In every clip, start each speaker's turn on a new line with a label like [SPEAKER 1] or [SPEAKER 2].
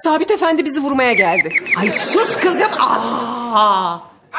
[SPEAKER 1] Sabit Efendi bizi vurmaya geldi.
[SPEAKER 2] Ay sus kızım. Aa!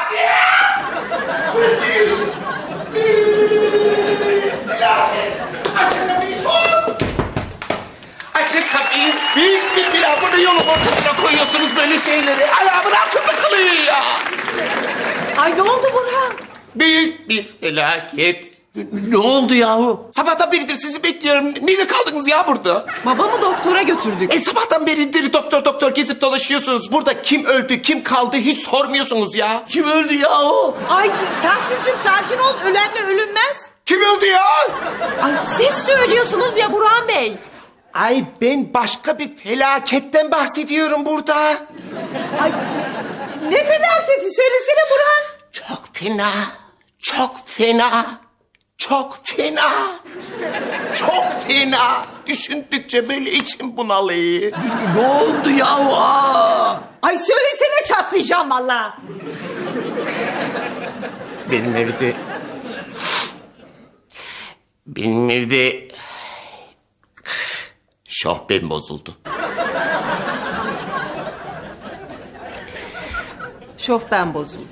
[SPEAKER 3] Açın kapıyı. Büyük bir pilavını yolun ortasına koyuyorsunuz böyle şeyleri. Ayağımın altında kalıyor ya.
[SPEAKER 2] Ay ne oldu Burhan?
[SPEAKER 3] Büyük bir felaket.
[SPEAKER 4] Ne oldu yahu?
[SPEAKER 3] Sabahtan beridir sizi bekliyorum. Nerede kaldınız ya burada?
[SPEAKER 1] Babamı doktora götürdük.
[SPEAKER 3] Sabahtan beridir doktor gezip dolaşıyorsunuz. Burada kim öldü, kim kaldı hiç sormuyorsunuz ya.
[SPEAKER 4] Kim öldü yahu?
[SPEAKER 2] Ay Tahsin'cim sakin ol. Ölenle ölünmez.
[SPEAKER 3] Kim öldü ya?
[SPEAKER 1] Siz söylüyorsunuz ya Burhan Bey.
[SPEAKER 3] Ay ben başka bir felaketten bahsediyorum burada.
[SPEAKER 2] Ay ne felaketi söylesene Burhan.
[SPEAKER 3] Çok fena, çok fena, çok fena, çok fena. Düşündükçe böyle içim bunalıyor.
[SPEAKER 4] Ne oldu yahu? Aa!
[SPEAKER 2] Ay söylesene çatlayacağım vallahi.
[SPEAKER 3] Benim evde... Benim evde... Şahbem bozuldu.
[SPEAKER 1] Şofben bozuldu.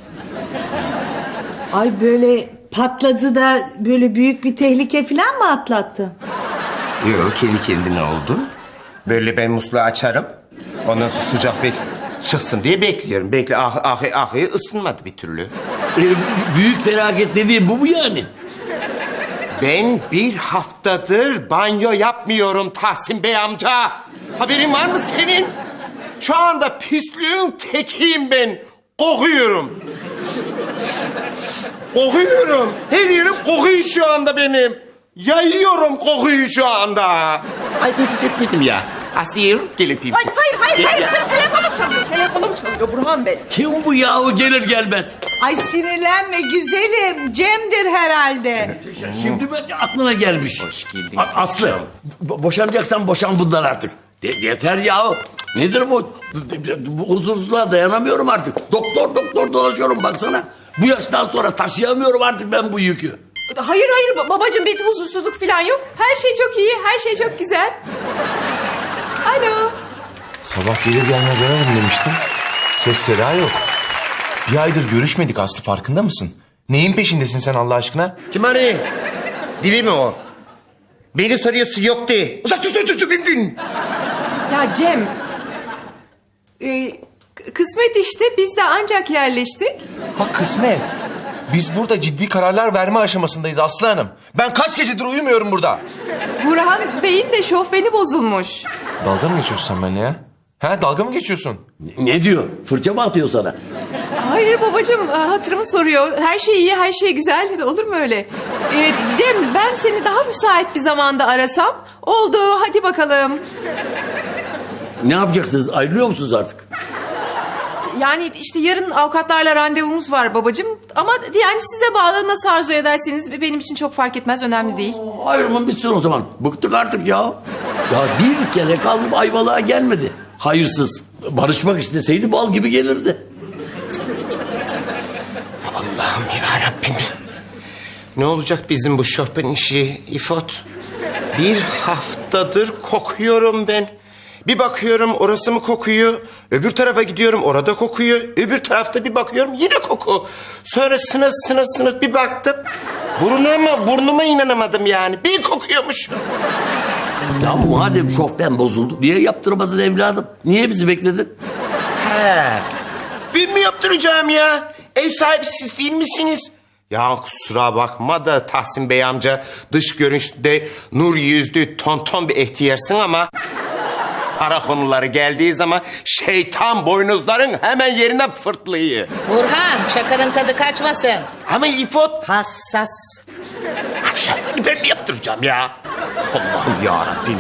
[SPEAKER 2] Ay böyle patladı da böyle büyük bir tehlike falan mı atlattı?
[SPEAKER 3] Yok kendi kendine oldu. Böyle ben musluğu açarım. Ondan sonra sıcak çıksın diye bekliyorum. Bekle ahı ısınmadı bir türlü.
[SPEAKER 4] Büyük felaket dediğin bu mu yani?
[SPEAKER 3] Ben bir haftadır banyo yapmıyorum Tahsin Bey amca. Haberin var mı senin? Şu anda pisliğin tekiyim ben. Kokuyorum. Kokuyorum. Her yerim kokuyor şu anda benim. Yayıyorum kokuyu şu anda. Ay ben siz etmedim ya. Asiye gel öpeyim
[SPEAKER 2] Ay
[SPEAKER 3] seni.
[SPEAKER 2] hayır. Telefonum çalıyor Burhan Bey.
[SPEAKER 4] Kim bu yahu gelir gelmez?
[SPEAKER 2] Ay sinirlenme güzelim. Cem'dir herhalde.
[SPEAKER 4] Şimdi mi aklına gelmiş?
[SPEAKER 3] Hoş geldin.
[SPEAKER 4] Aslı, boşanacaksan boşan bundan artık. Yeter yahu. Nedir bu huzursuzluğa dayanamıyorum artık. Doktor dolaşıyorum baksana. Bu yaştan sonra taşıyamıyorum artık ben bu yükü.
[SPEAKER 1] Hayır babacığım bir huzursuzluk falan yok. Her şey çok iyi, her şey çok güzel. Alo.
[SPEAKER 5] Sabah gelir gelmez ararım demiştim. Ses seda yok. Bir aydır görüşmedik Aslı, farkında mısın? Neyin peşindesin sen Allah aşkına?
[SPEAKER 3] Kim arıyor? Divi mi o? Beni soruyorsun yok de. Uzak tut bindin.
[SPEAKER 1] Ya Cem. Kısmet işte biz de ancak yerleştik.
[SPEAKER 5] Ha kısmet. Biz burada ciddi kararlar verme aşamasındayız Aslı Hanım. Ben kaç gecedir uyumuyorum burada.
[SPEAKER 1] Burhan Bey'in de şofbeni bozulmuş.
[SPEAKER 5] Dalga mı geçiyorsun sen benimle ya? Ha dalga mı geçiyorsun?
[SPEAKER 4] Ne diyor? Fırça mı atıyor sana?
[SPEAKER 1] Hayır babacığım hatırımı soruyor. Her şey iyi, her şey güzel. Olur mu öyle? Cem ben seni daha müsait bir zamanda arasam. Oldu hadi bakalım.
[SPEAKER 4] Ne yapacaksınız? Ayrılıyor musunuz artık?
[SPEAKER 1] Yani işte yarın avukatlarla randevumuz var babacığım. Ama yani size bağlı nasıl arzu ederseniz benim için çok fark etmez önemli değil.
[SPEAKER 4] Ayrılma bitsin o zaman. Bıktık artık ya. Ya bir kere kaldım Ayvalık'a gelmedi. Hayırsız. Barışmak isteseydi bal gibi gelirdi.
[SPEAKER 3] Allah'ım yarabbim. Ne olacak bizim bu şofben işi İfot? Bir haftadır kokuyorum ben. Bir bakıyorum orası mı kokuyor? Öbür tarafa gidiyorum orada kokuyor. Öbür tarafta bir bakıyorum yine koku. Sonra sınıf bir baktım. Burnuma inanamadım yani. Bir kokuyormuş.
[SPEAKER 4] Ya madem şofben bozuldu niye yaptırmadın evladım? Niye bizi bekledin?
[SPEAKER 3] He. Ben mi yaptıracağım ya? Ev sahibi siz değil misiniz? Ya kusura bakma da Tahsin Bey amca dış görünüşte nur yüzlü tonton bir ihtiyarsın ama para konuları geldiği zaman şeytan boynuzların hemen yerinden fırtlıyor.
[SPEAKER 6] Burhan, şakarın tadı kaçmasın.
[SPEAKER 3] Ama İfot
[SPEAKER 6] Hassas.
[SPEAKER 3] şoförü ben mi yaptıracağım ya? Allah'ım yarabbim.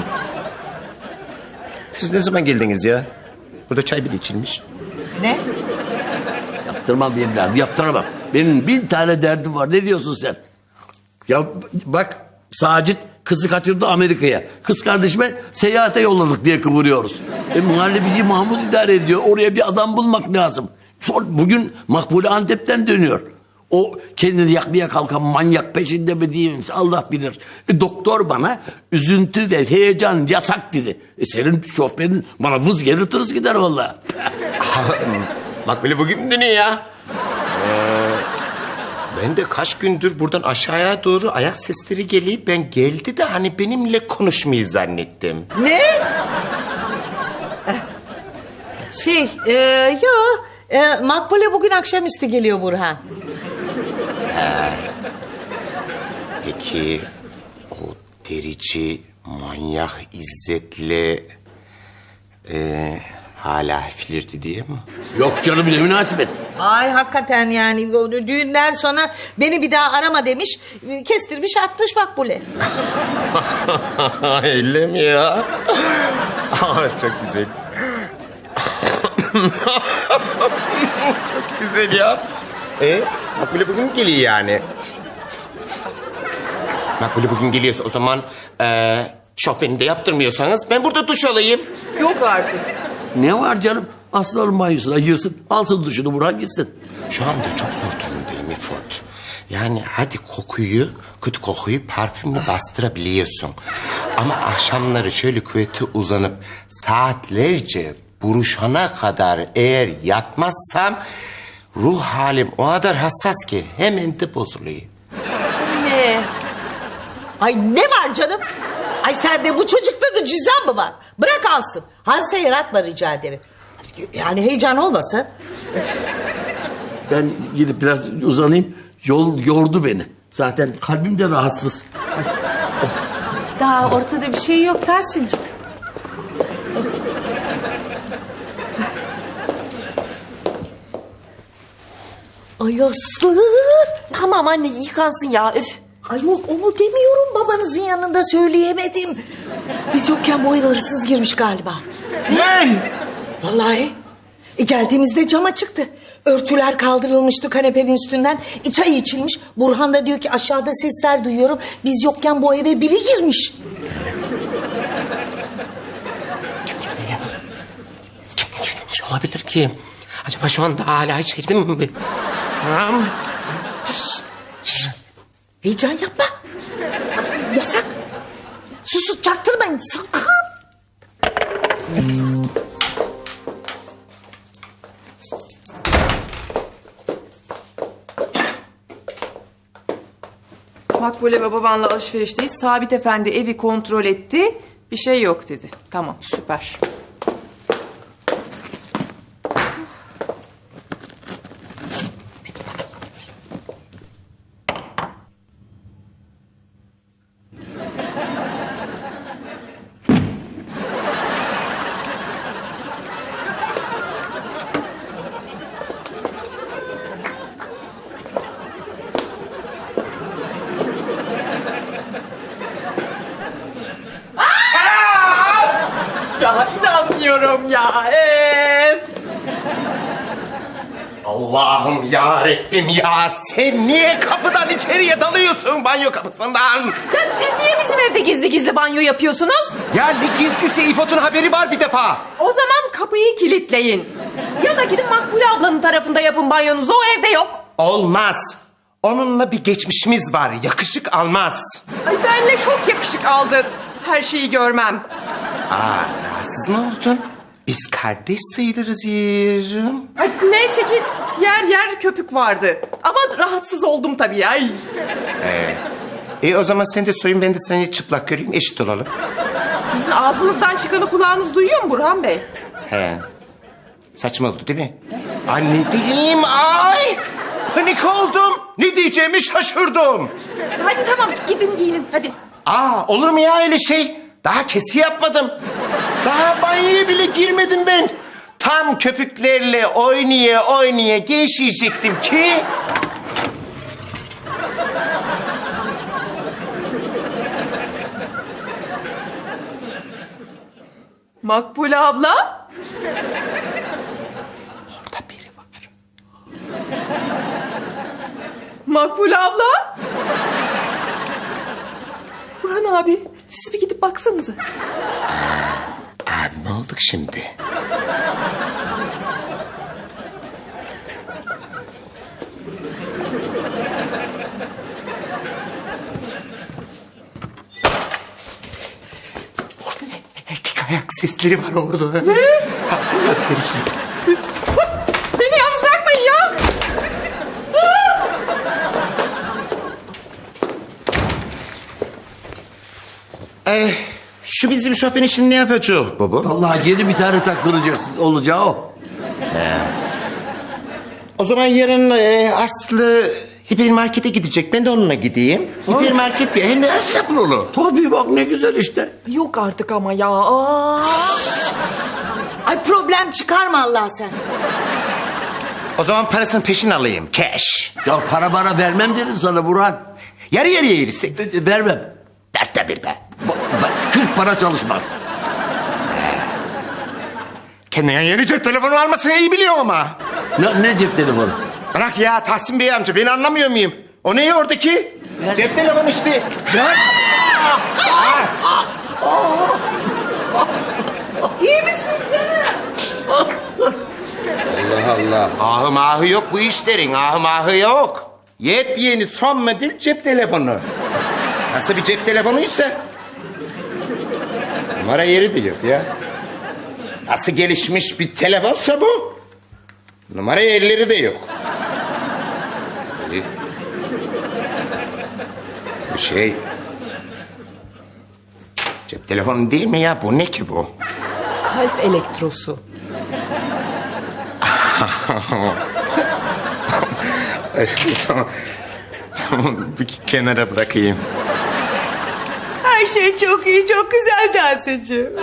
[SPEAKER 3] Siz ne zaman geldiniz ya? Burada çay bile içilmiş.
[SPEAKER 2] Ne?
[SPEAKER 4] Yaptırmam evladım yaptıramam. Benim 1000 tane derdim var ne diyorsun sen? Ya bak Sacit kızı kaçırdı Amerika'ya. Kız kardeşime seyahate yolladık diye kıvırıyoruz. Muhallebici Mahmut idare ediyor. Oraya bir adam bulmak lazım. Bugün Makbule Antep'ten dönüyor. O kendini yakmaya kalkan manyak peşinde mi değil mi? Allah bilir. Doktor bana üzüntü ve heyecan yasak dedi. Senin şoförün bana vız gelir tırıs gider vallahi.
[SPEAKER 3] Bak böyle bugün de ne ya? Ben de kaç gündür buradan aşağıya doğru ayak sesleri geliyor. Ben geldi de hani benimle konuşmayı zannettim.
[SPEAKER 2] Ne?
[SPEAKER 6] Makbule bugün akşamüstü geliyor Burhan.
[SPEAKER 3] Peki o derici manyak İzzet'le hala flirti diye mi?
[SPEAKER 4] Yok canım ne münasebet.
[SPEAKER 2] Ay hakikaten yani o düğünden sonra beni bir daha arama demiş. Kestirmiş atmış Makbule.
[SPEAKER 3] Öyle mi ya? Çok güzel. Çok güzel ya. Makbule bugün geliyor yani. Makbule bugün geliyorsa o zaman şoförünü de yaptırmıyorsanız ben burada duş alayım.
[SPEAKER 1] Yok artık.
[SPEAKER 4] Ne var canım? Aslanın banyosuna girsin, alsın duşunu Burhan gitsin.
[SPEAKER 3] Şu anda çok zor durumdayım İfot. Yani hadi kötü kokuyu parfümle bastırabiliyorsun. Ama akşamları şöyle kuvvete uzanıp saatlerce buruşana kadar eğer yatmazsam ruh halim o kadar hassas ki hemen de bozuluyor.
[SPEAKER 1] Ne?
[SPEAKER 2] Ay ne var canım? Ay sende bu çocukta da cüzdan mı var? Bırak alsın. Hanse yaratma rica ederim. Yani heyecan olmasın.
[SPEAKER 4] Ben gidip biraz uzanayım. Yol yordu beni. Zaten kalbim de rahatsız.
[SPEAKER 2] Daha ortada bir şey yok Tahsin'cim. Ay Aslı.
[SPEAKER 1] Tamam anne yıkansın ya öf.
[SPEAKER 2] Ay onu demiyorum, babanızın yanında söyleyemedim. Biz yokken bu eve hırsız girmiş galiba.
[SPEAKER 3] Ne?
[SPEAKER 2] Vallahi. Geldiğimizde cama çıktı. Örtüler kaldırılmıştı kanepenin üstünden. Çay içilmiş. Burhan da diyor ki aşağıda sesler duyuyorum. Biz yokken bu eve biri girmiş.
[SPEAKER 3] Kim olabilir ki? Acaba şu anda hala içeride mi? Tamam.
[SPEAKER 2] Heyecan yapma. Yasak. Sus çaktırmayın sakın.
[SPEAKER 1] Makbule ve babanla alışverişteyiz. Sabit Efendi evi kontrol etti. Bir şey yok dedi. Tamam süper. Ya inanmıyorum ya.
[SPEAKER 3] Allah'ım ya Rabbim ya. Sen niye kapıdan içeriye dalıyorsun banyo kapısından?
[SPEAKER 1] Ya siz niye bizim evde gizli gizli banyo yapıyorsunuz?
[SPEAKER 3] Ya ne gizlisi İfot'un haberi var bir defa.
[SPEAKER 1] O zaman kapıyı kilitleyin. Ya da gidin Makbule ablanın tarafında yapın banyonuzu. O evde yok.
[SPEAKER 3] Olmaz. Onunla bir geçmişimiz var. Yakışık almaz.
[SPEAKER 1] Ay benle çok yakışık aldın. Her şeyi görmem.
[SPEAKER 3] Rahatsız mı oldun? Biz kardeş sayılırız yerim.
[SPEAKER 1] Ay, neyse ki yer yer köpük vardı. Ama rahatsız oldum tabii. Ay.
[SPEAKER 3] O zaman sen de soyun, ben de seni çıplak göreyim, eşit olalım.
[SPEAKER 1] Sizin ağzınızdan çıkanı kulağınız duyuyor mu Burhan Bey?
[SPEAKER 3] He. Saçma oldu değil mi? Ay ne bileyim, ay! Panik oldum. Ne diyeceğimi şaşırdım.
[SPEAKER 1] Hadi tamam gidin giyinin hadi.
[SPEAKER 3] Olur mu ya öyle şey? Daha kesi yapmadım. Daha banyoya bile girmedim ben. Tam köpüklerle oynaya gevşeyecektim ki...
[SPEAKER 1] Makbule abla.
[SPEAKER 3] Orada biri var.
[SPEAKER 1] Makbule abla. Burhan abi siz bir gidip baksanıza.
[SPEAKER 3] Abi ne olduk şimdi? Ayak sesleri var orada. Ne?
[SPEAKER 1] Beni yalnız bırakmayın ya.
[SPEAKER 3] Şu bizim Chopin işini ne yapacağız baba?
[SPEAKER 4] Vallahi yeni bir tane taktıracaksın. Olacağı o.
[SPEAKER 3] O zaman yarın Aslı hipermarkete gidecek. Ben de onunla gideyim. Hipermarket ya. Hem de Asaplı'lı.
[SPEAKER 4] Tabii bak ne güzel işte.
[SPEAKER 2] Yok artık ama ya. Aa! Ay problem çıkarma Allah sen.
[SPEAKER 3] O zaman parasını peşin alayım. Cash.
[SPEAKER 4] Ya para bana vermem dedim sana Burhan.
[SPEAKER 3] Yarı yarıya verirsin.
[SPEAKER 4] Vermem.
[SPEAKER 3] Dertte bir be.
[SPEAKER 4] 40 para çalışmaz.
[SPEAKER 3] Kendine yeni cep telefonu almasını iyi biliyor ama.
[SPEAKER 4] Ne cep telefonu?
[SPEAKER 3] Bırak ya Tahsin Bey amca. Ben anlamıyor muyum? O ne oradaki?
[SPEAKER 4] Nerede?
[SPEAKER 3] Cep telefonu işte. Cep.
[SPEAKER 1] İyi misin canım?
[SPEAKER 3] Allah Allah. Ahı mahı yok bu işlerin. Ahı mahı yok. Yepyeni son model cep telefonu. Nasıl bir cep telefonuysa. Numara yeri de yok ya. Nasıl gelişmiş bir telefonsa bu. Numara yerleri de yok. Bu şey... Cep telefonu değil mi ya? Bu ne ki bu?
[SPEAKER 1] Kalp elektrosu.
[SPEAKER 3] Bir kenara bırakayım.
[SPEAKER 1] Her şey çok iyi, çok güzel Tahsin'ciğim.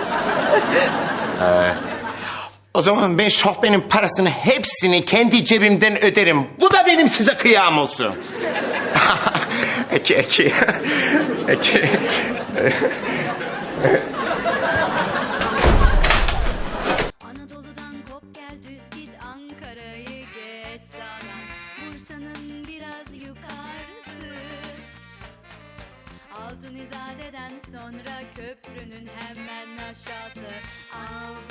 [SPEAKER 3] O zaman ben Chopin'in parasını hepsini kendi cebimden öderim. Bu da benim size kıyam olsun. Eki.
[SPEAKER 7] Anadolu'dan kop gel düz git Ankara'yı geç sağdan Bursa'nın biraz yukarısı Altın İzade'den sonra köprünün hemen aşağısı